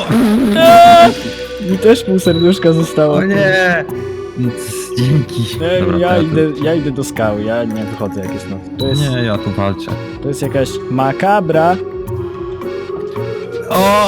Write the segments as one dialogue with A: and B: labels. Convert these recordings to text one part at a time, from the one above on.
A: Mi też pół serduszka zostało.
B: O nie! Dzięki. Dobra,
A: Ja idę do skały, ja nie wychodzę jak jest noc.
B: Nie, ja tu walczę.
A: To jest jakaś makabra.
B: O!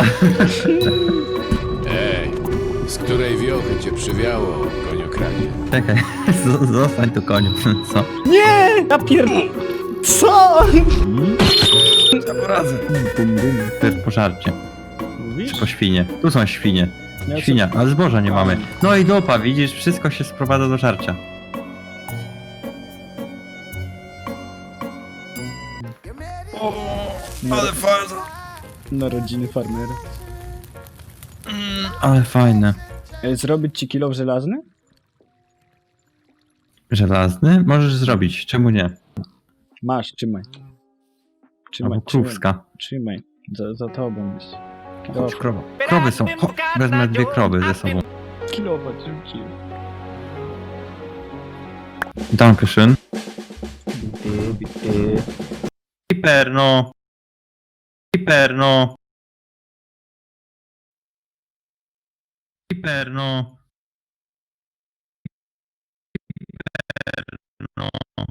C: Ej, z której wiochy cię przywiało, koniokranie?
B: Czekaj, zostań tu koniu. Co?
A: Nie! Ja Co?
B: Ja poradzę. To jest pożarcie.
A: Mówisz?
B: Czy po świnie? Tu są świnie.
A: Ja
B: Świnia, ale zboża nie mamy. No i dupa, widzisz, wszystko się sprowadza do żarcia. Ale fajne.
A: Narodziny farmera.
B: Ale fajne.
A: Zrobić ci kilo żelazny?
B: Żelazny? Możesz zrobić, czemu nie?
A: Masz, trzymaj.
B: Albo krówska.
A: Trzymaj. Za tobą jest.
B: Chodź, krowa. Krowy są. O, wezmę 2 krowy ze sobą.
A: Kilowatt rzucił.
B: Dankeschön. Hiperno. Hiperno. Hiperno. Hiperno.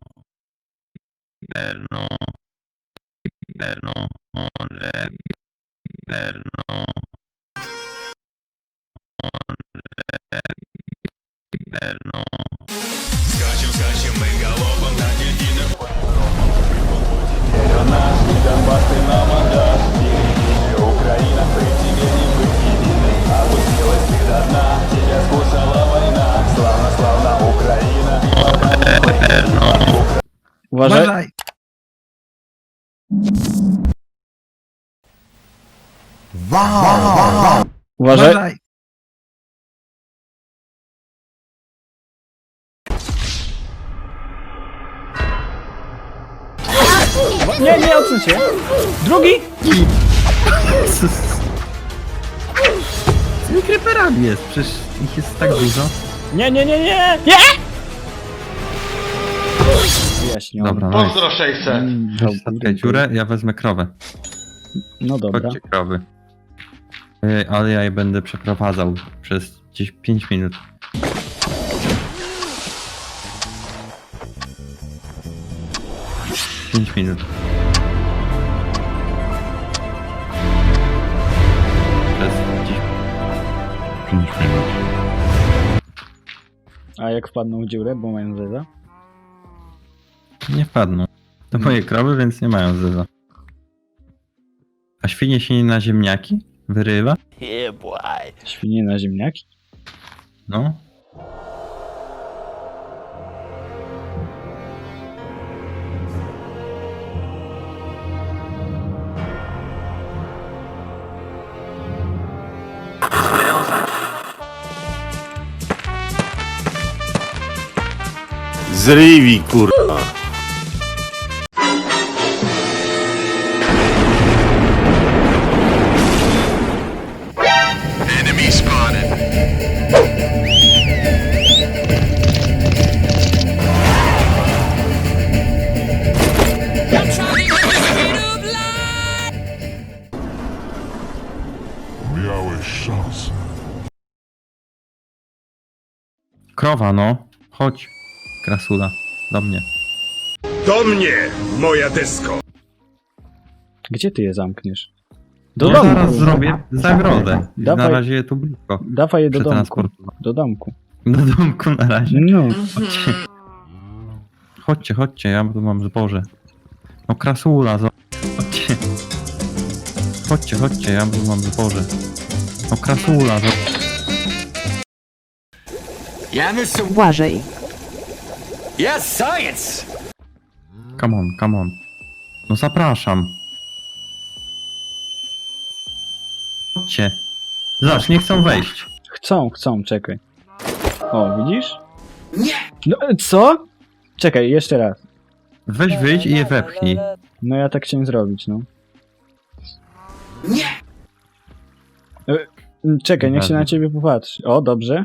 B: Hiperno. Hiperno. Hiperno. Hiperno.
A: Uważaj. Uważaj. Nie, odsuń się. Drugi!
B: Z tymi creeperami jest, przecież ich jest tak dużo.
A: Nie! Wyjaśnione.
B: Dobra,
D: Pozdro 600.
B: Zatkaj dziurę, ja wezmę krowę.
A: No dobra.
B: Chodźcie krowy. Ale ja je będę przeprowadzał przez gdzieś 5 minut. Pięć minut. Przez gdzieś 5 minut.
A: A jak wpadną w dziurę, bo mają zeza?
B: Nie wpadną. To moje krowy, więc nie mają zeza. A świnie się na ziemniaki wyrywa?
A: Świnie na ziemniaki?
B: No.
C: Zrywi, kurwa. Enemy spotted.
E: Miałeś szansę.
B: Krowa, no. Chodź, krasula. Do mnie.
F: Do mnie, moja desko!
A: Gdzie ty je zamkniesz? Do
B: Ja
A: domku.
B: zaraz zrobię zagrodę. Na
A: Dawaj.
B: razie je tu blisko.
A: Dawaj je do domku.
B: Przetransportować.
A: Do domku.
B: Do domku na razie.
A: No.
B: Chodźcie, ja tu mam zboże. No krasula, chodźcie. Chodźcie, ja tu mam zboże. No krasula,
G: Uważaj.
B: come on. No zapraszam. Chodźcie. Zobacz, nie chcą wejść.
A: Chcą, czekaj. O, widzisz? Nie! No, co? Czekaj, jeszcze raz.
B: Weź wyjdź i je wepchnij.
A: No ja tak chciałem zrobić, no. Nie! Czekaj, niech się na ciebie popatrzy. O, dobrze.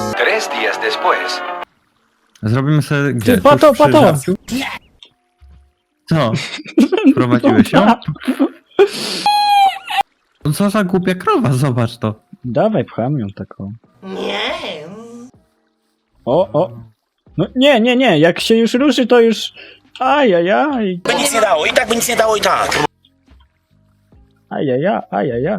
B: Zrobimy sobie gdzie?
A: Ty, pato,
B: Tuż przy
A: pato!
B: żarciu? Co? Wprowadziłeś ją? No co za głupia krowa, zobacz to.
A: Dawaj, pcham ją taką. Nie. O. No nie, jak się już ruszy, to już... Ajajaj.
D: By nic nie dało, i tak by nic nie dało, i tak.
A: Ajajaj.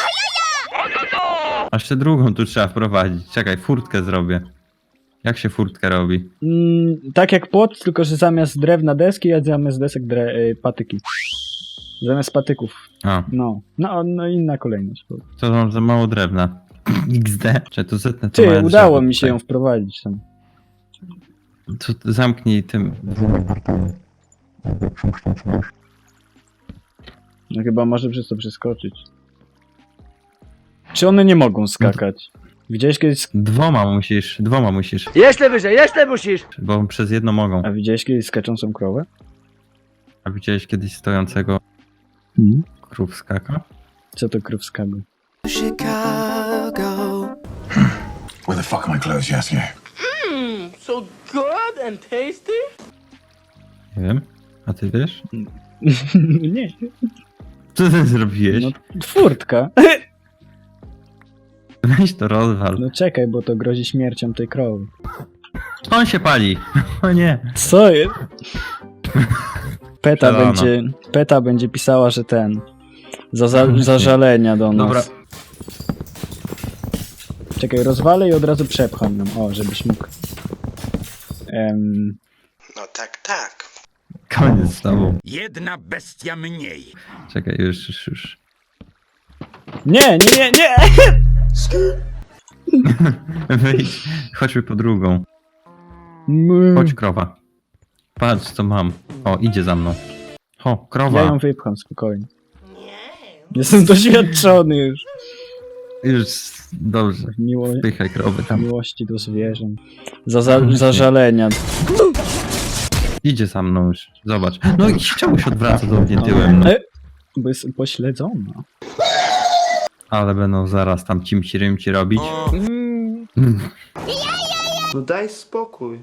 B: Aż jeszcze drugą tu trzeba wprowadzić. Czekaj, furtkę zrobię. Jak się furtkę robi?
A: Tak jak płot, tylko że zamiast drewna deski, a zamiast desek patyki. Zamiast patyków.
B: A,
A: No inna kolejność.
B: to mam za mało drewna. XD. Czy to zetnę to
A: Ty,
B: małe
A: udało
B: drzewo
A: mi się
B: tutaj.
A: ją wprowadzić tam.
B: To zamknij tym.
A: No chyba może przez to przeskoczyć. Czy one nie mogą skakać? Widziałeś kiedyś...
B: Dwoma musisz.
D: Jeszcze wyżej, jeszcze musisz!
B: Bo przez jedno mogą.
A: A widziałeś kiedyś skaczącą krowę?
B: A widziałeś kiedyś stojącego krów skaka?
A: Co to krówskago?
F: Where the fuck are my clothes, Yasuo?
D: So good and tasty?
B: Nie wiem. A ty wiesz?
A: Nie.
B: Co ty zrobiłeś?
A: No, furtka.
B: Weź to rozwal.
A: No czekaj, bo to grozi śmiercią tej krowy.
B: On się pali. O nie.
A: Co jest?
B: Przelano.
A: Peta będzie pisała, że ten... Zażalenia do nas.
B: Dobra.
A: Czekaj, rozwalę i od razu przepcham ją. O, żebyś mógł...
D: No tak.
B: Koniec z tobą.
F: Jedna bestia mniej.
B: Czekaj, już.
A: Nie!
B: Wyjdź. Chodźmy po drugą. Chodź, krowa. Patrz, co mam. O, idzie za mną. O, krowa.
A: Ja ją wypcham spokojnie. Jestem doświadczony już.
B: Już, dobrze. Wpychaj krowy tam.
A: Miłości do zwierząt. Zażalenia.
B: Idzie za mną już. Zobacz. No i czemu się odwraca do mnie tyłem? No.
A: Bo jest upośledzona.
B: Ale będą zaraz tam cimci-rymci robić.
E: No daj spokój.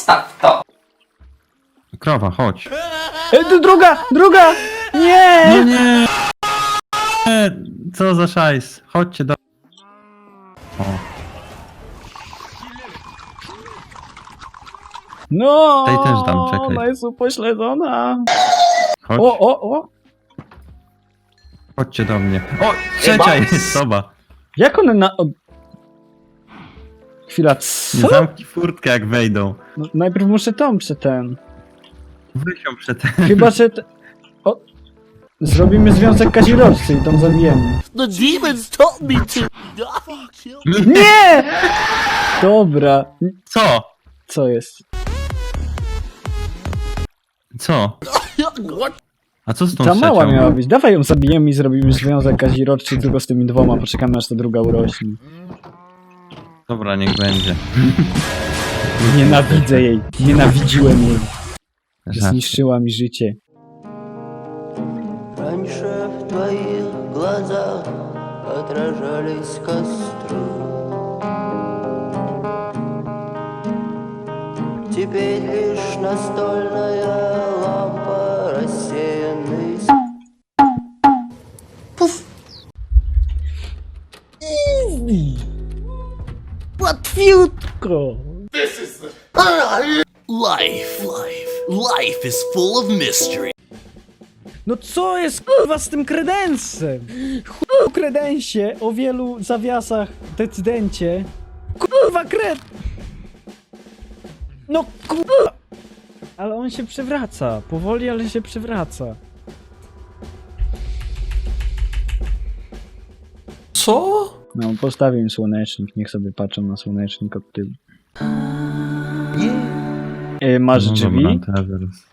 B: Krowa, chodź.
A: Tu druga! Nie!
B: No nie! Co za szajs? Chodźcie do... O,
A: No!
B: Tej też dam, czekaj.
A: Ona jest upośledzona.
B: chodź.
A: O!
B: Chodźcie do mnie. O, trzecia jest soba.
A: Jak one Chwila, co?
B: Zamknij furtkę jak wejdą.
A: No, najpierw muszę tą ten.
B: Weź ją przed...
A: Chyba, że... O! Zrobimy związek kaziroczcy i tam zabijemy.
D: The demons told me to.
A: Nie! Dobra.
B: Co?
A: Co jest?
B: Co? A co z tą
A: Ta mała
B: trzecią?
A: miała być. Dawaj ją zabijemy i zrobimy związek kaziroczczy tylko z tymi dwoma. Poczekamy aż ta druga urośnie.
B: Dobra, niech będzie.
A: Nienawidzę jej. Nienawidziłem jej.
B: Żart.
A: Zniszczyła mi życie.
G: Раньше в твоих глазах отражались костры. Теперь лишь настольная лампа, рассеянный
A: Łatwiutko.
H: Life is full of mystery.
A: No co jest kurwa z tym kredensem? Chuj kredensie o wielu zawiasach decydencie. Kurwa kred... No kurwa... Ale on się przewraca. Powoli, ale się przewraca.
H: Co?
A: No postawię im słonecznik. Niech sobie patrzą na słonecznik od tyłu. Masz
B: No
A: drzwi?
B: dobra, teraz.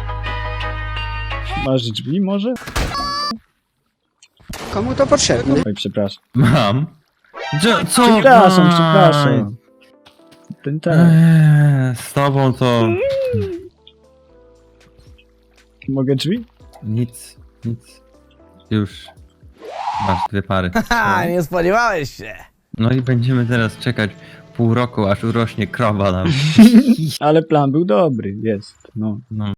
A: Masz drzwi może?
E: Komu to potrzebne?
A: Oj, przepraszam.
B: Mam. Co?
A: Przepraszam. Ten tak.
B: Z tobą to...
A: Mogę drzwi?
B: Nic. Już. Masz 2 pary.
H: Ha, nie spodziewałeś się.
B: No i będziemy teraz czekać pół roku, aż urośnie krowa nam.
A: Ale plan był dobry, jest. No.
B: No.